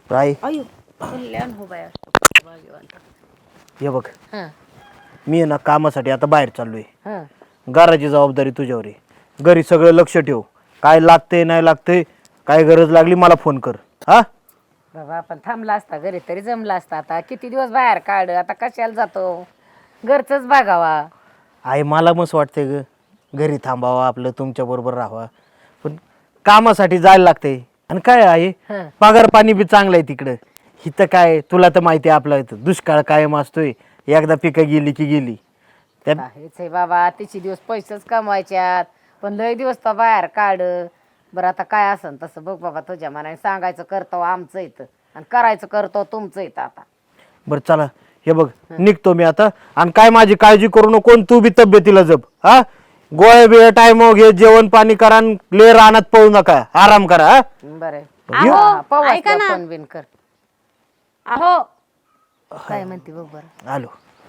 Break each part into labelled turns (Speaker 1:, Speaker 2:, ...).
Speaker 1: राय
Speaker 2: अयो कल्याण हो बाया भाग्यवान.
Speaker 1: हे बघ,
Speaker 2: हां
Speaker 1: मी आहे ना कामासाठी आता बाहेर चाललोय.
Speaker 2: हां
Speaker 1: घराची जबाबदारी तुझ्यावर आहे. घरी सगळं लक्ष ठेव. काय लागते नाही लागते, काय गरज लागली मला फोन कर. हा
Speaker 2: बाबा आपण थांबला असता घरी तरी जमला असता. आता किती दिवस बाहेर काढ, आता कशाला जातो, घरचंच बघावा.
Speaker 1: आहे मला मस्त वाटते ग घरी थांबावा, आपलं तुमच्या बरोबर राहावा, पण कामासाठी जायला लागते. आणि काय आहे,
Speaker 2: हं.
Speaker 1: पगार पाणी बी चांगलं आहे तिकडं. इथं काय तुला तर माहिती आहे, आपलं इथं दुष्काळ कायम असतोय. एकदा पिकं गेली की गेली. त्यात
Speaker 2: हेच आहे बाबा, तिची दिवस पैसेच कमवायच्यात, पण लय दिवस तर बाहेर काढ. बरं आता काय असन तसं बघ बाबा, तुझ्या मनाने सांगायचं करतो आमचं इथं आणि करायचं करतो तुमचं इथं. आता
Speaker 1: बरं चला, हे बघ निघतो मी आता. आणि काय माझी काळजी करू नको, आणि तू बी तब्येतीला जप. हा गोळ्या बिळे टाइम घे, जेवण पाणी करा, आणि ले रानात पळू नका, आराम करा. हा
Speaker 2: बरं आहे.
Speaker 1: अहो,
Speaker 2: हा, पाहू
Speaker 3: ऐका
Speaker 2: असलं
Speaker 3: ना.
Speaker 2: फोन बिन कर.
Speaker 3: अहो
Speaker 2: काय म्हणते बघ बरं.
Speaker 1: आलो.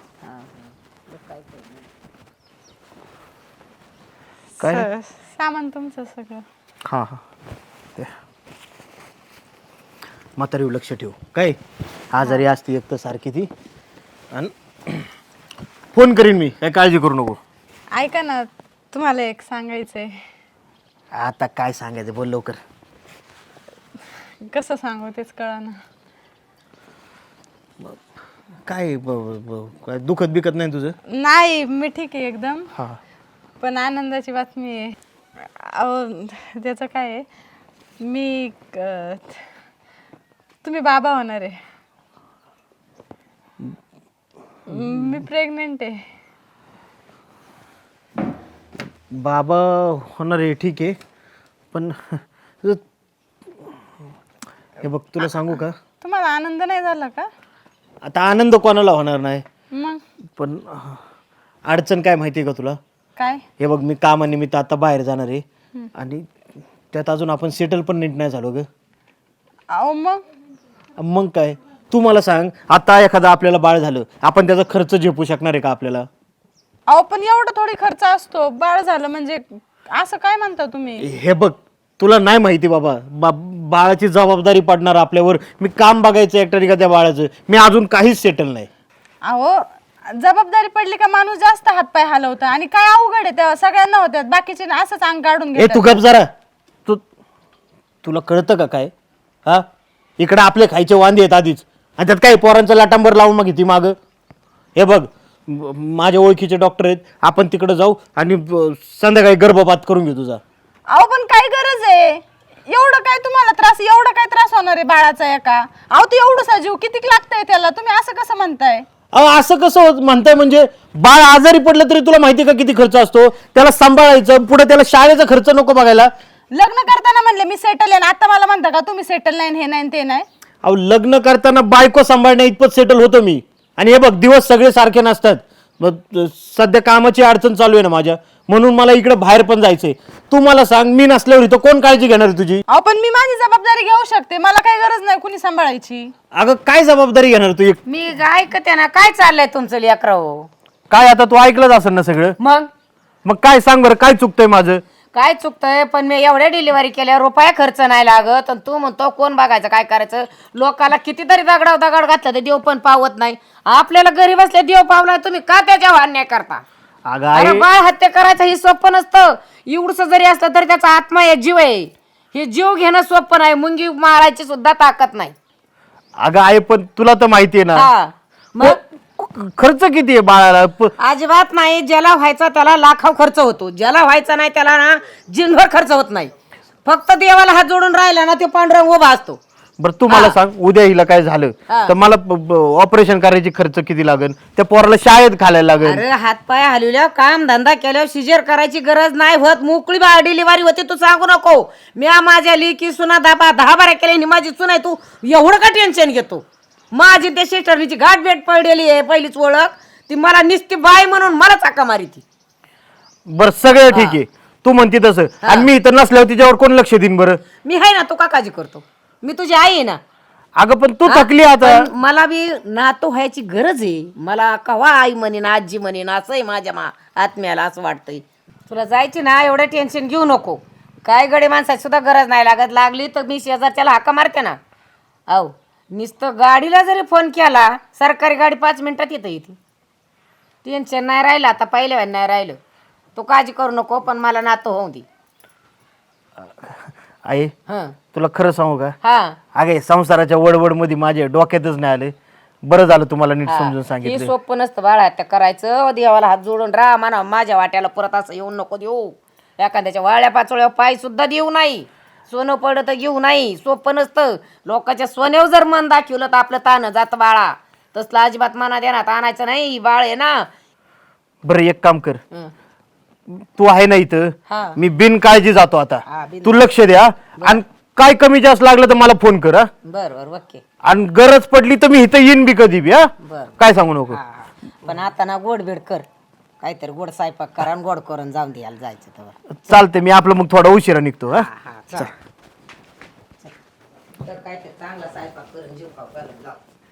Speaker 1: काय
Speaker 3: सामान तुमचं सगळं.
Speaker 1: हा हा म्हातारी लक्ष ठेव. काय आजारी असती एक तर सारखी ती. आणि फोन करीन मी, काय काळजी करू नको.
Speaker 3: ऐका ना, तुम्हाला एक सांगायचंय.
Speaker 1: आता काय सांगायचं बोल लवकर.
Speaker 3: कसं सांगू तेच कळना.
Speaker 1: काय काय दुखत बिकत नाही तुझं?
Speaker 3: नाही, मी ठीक आहे एकदम.
Speaker 1: हा
Speaker 3: पण आनंदाची बातमी आहे. अहो त्याचं काय आहे, मी तुम्ही बाबा होणार आहे. मी प्रेग्नेंट आहे.
Speaker 1: बाबा होणार आहे ठीक आहे, पण हे बघ तुला सांगू का,
Speaker 3: तुम्हाला आनंद नाही झाला का?
Speaker 1: आता आनंद कोणाला होणार नाही,
Speaker 3: मग
Speaker 1: पण अडचण काय माहिती आहे का तुला?
Speaker 3: काय?
Speaker 1: हे बघ मी कामानिमित्त आता बाहेर जाणार आहे, आणि त्यात अजून आपण सेटल पण नीट नाही झालो ग.
Speaker 3: अहो
Speaker 1: मग काय, तू मला सांग, आता एखादा आपल्याला बाळ झालं, आपण त्याचा खर्च झेपू शकणार आहे का आपल्याला?
Speaker 3: अहो पण एवढा थोडी खर्च असतो, बाळ झालं म्हणजे. असं काय म्हणता तुम्ही?
Speaker 1: हे बघ तुला नाही माहिती बाबा, बाळाची जबाबदारी पडणार आपल्यावर. मी काम बघायचं एकट्याने का त्या बाळाचं, मी अजून काहीच सेटल नाही.
Speaker 3: अहो जबाबदारी पडली का माणूस जास्त हातपाय हलवतं, आणि काय अवघड आहे तेव्हा सगळ्यांना होत्यात, बाकीचे असंच अंग काढून
Speaker 1: ए तू
Speaker 3: घेतात.
Speaker 1: गप जरा. तुला कळतं का काय? हा इकडे आपले खायचे वांदे आहेत आधीच, आणि त्यात काही पोरांचं लाटांबर लावून मग ती माग. हे बघ माझ्या ओळखीचे डॉक्टर आहेत, आपण तिकडे जाऊ आणि संध्याकाळी गर्भपात करून घेऊ तुझा.
Speaker 3: अहो पण काय गरज आहे, एवढं काय तुम्हाला त्रास, एवढं काय त्रास होणार आहे बाळाचा एका? अहो ते एवढं जीव किती लागतंय त्याला, तुम्ही असं कसं म्हणताय?
Speaker 1: अहो असं कसं म्हणताय, म्हणजे बाळ आजारी पडलं तरी तुला माहिती का किती खर्च असतो? त्याला सांभाळायचं, पुढे त्याला शाळेचा खर्च नको बघायला?
Speaker 3: लग्न करताना म्हणले मी सेटल आहे, आता मला म्हणता का तुम्ही सेटल नाही, हे नाही ते नाही?
Speaker 1: अहो लग्न करताना बायको सांभाळण्या इतपत सेटल होतो मी. आणि हे बघ दिवस सगळे सारखे नसतात. मग सध्या कामाची अडचण चालू आहे ना माझ्या, म्हणून मला इकडे बाहेर पण जायचंय. तू मला सांग, मी नसल्यावर इथं कोण काळजी घेणार आहे तुझी?
Speaker 3: अहो पण मी माझी जबाबदारी घेऊ शकते, मला काही गरज नाही कुणी सांभाळायची.
Speaker 1: अगं काय जबाबदारी घेणार तू?
Speaker 2: मी ऐकते ना, काय चाललंय तुमचं लेकराव?
Speaker 1: काय आता तू ऐकलंच असेल ना सगळं. मग काय सांग बरं, काय चुकतंय माझं?
Speaker 2: काय चुकतंय? पण मी एवढ्या डिलिव्हरी केल्या, रुपया खर्च नाही लागत, आणि तू म्हणतो कोण बघायचं काय करायचं? लोकाला कितीतरी दगड घातलं तर देव पण पावत नाही. आपल्याला घरी बसल्या देव पावला, तुम्ही का त्याच्यावर अन्याय करता?
Speaker 1: अगं
Speaker 2: अरे
Speaker 1: आई,
Speaker 2: बाळ हत्या करायचं ही सोपं नसतं. एवढस जरी असलं तरी त्याचा आत्मा आहे, जीव आहे. हे जीव घेणं सोपं नाही, मुंगी मारायची सुद्धा ताकद नाही.
Speaker 1: अगं आई पण तुला तर माहिती आहे ना,
Speaker 2: हा मग
Speaker 1: खर्च किती आहे बाळाला?
Speaker 2: अजिबात नाही. ज्याला व्हायचा त्याला लाखाव खर्च होतो, ज्याला व्हायचा नाही त्याला ना जिनभर खर्च होत नाही. फक्त देवाला हात जोडून राहिला ना, ते पांडुरंग उभा असतो.
Speaker 1: बरं तू मला सांग, उद्या हिला काय झालं
Speaker 2: हा.
Speaker 1: तर मला ऑपरेशन करायची खर्च किती लागेल? त्या पोराला शाळेत घालायला लागेल.
Speaker 2: अरे हातपाय हलवल्या, काम धंदा केल्यावर सिजर करायची गरज नाही होत. मोकळी डिलिव्हरी होते, तू सांगू नको. मी माझ्या लेकी सुना 10 केल्या, माझी सुना, तू एवढं का टेन्शन घेतो? माझी त्या सिस्टरची गाठ भेट पडलेली आहे, पहिलीच ओळख. ती मला निस्ती बाई म्हणून मला चाका मारी ती.
Speaker 1: बरं सगळं ठीक आहे, तू म्हणते तसं. आणि मी इथं नसल्यावर तिच्यावर कोण लक्ष देईन बरं?
Speaker 2: मी आहे ना, तू का काळजी करतो? मी तुझी आई आहे ना.
Speaker 1: अगं पण तू थकली आता.
Speaker 2: पण मला बी नातू व्हायची गरज आहे. मला कवा आई म्हणेन, आजी म्हणेन, असं आहे माझ्या आत्म्याला, असं वाटतंय. तुला जायची ना, एवढं टेन्शन घेऊ नको. काय गडे माणसाची सुद्धा गरज नाही लागत, लागली तर मी शेजारच्याला हाका मारते ना. अहो नुसतं गाडीला जरी फोन केला सरकारी गाडी 5 मिनिटात येते टेन्शन नाही राहिलं आता पहिल्या वेळेला नाही राहिलं. तू काळजी करू नको पण मला नातं होऊ दे.
Speaker 1: आई
Speaker 2: हं
Speaker 1: तुला खरं सांगू का
Speaker 2: हा
Speaker 1: अगे संसाराच्या वडवड मध्ये माझ्या डोक्यातच नाही आले. बरं झालं तुम्हाला नीट समजून
Speaker 2: हे
Speaker 1: सांगितलं.
Speaker 2: सोपं नसतं बाळा त्या करायचं. देवाला हात जोडून राहा म्हणा माझ्या वाट्याला परत असं येऊन नको देऊ. एखाद्याच्या वाळ्या पाचोळ्या पाय सुद्धा देऊ नाही. सोनं पडलं तर घेऊ नाही. सोपं नसतं. लोकांच्या सोन्यावर जर मन दाखवलं तर आपलं ताणं जातं बाळा. तसलं अजिबात मना देण्यात आणायचं नाही. बाळ आहे ना.
Speaker 1: बरं एक काम कर,
Speaker 2: हं.
Speaker 1: तू आहे ना इथं,
Speaker 2: हा.
Speaker 1: मी बिनकाळजी जातो आता.
Speaker 2: हा, बिन-
Speaker 1: तू लक्ष द्या आणि काय कमी जास्त लागलं तर मला फोन कर. हा
Speaker 2: बरं ओके.
Speaker 1: आणि गरज पडली तर मी इथं येईन बी कधी बी. हा
Speaker 2: बरं.
Speaker 1: काय सांगू नको.
Speaker 2: हा. पण आता ना गोड बीड कर. काहीतरी गोड स्वयंपाक करा आणि गोड करून जाऊन द्यायला जायचं तेव्हा.
Speaker 1: चालतंय मी आपलं मग थोडा उशिरा निघतो. हा
Speaker 2: हा चल. तर काहीतरी चांगला स्वयंपाक करून जीव खाऊ घालून जाऊ.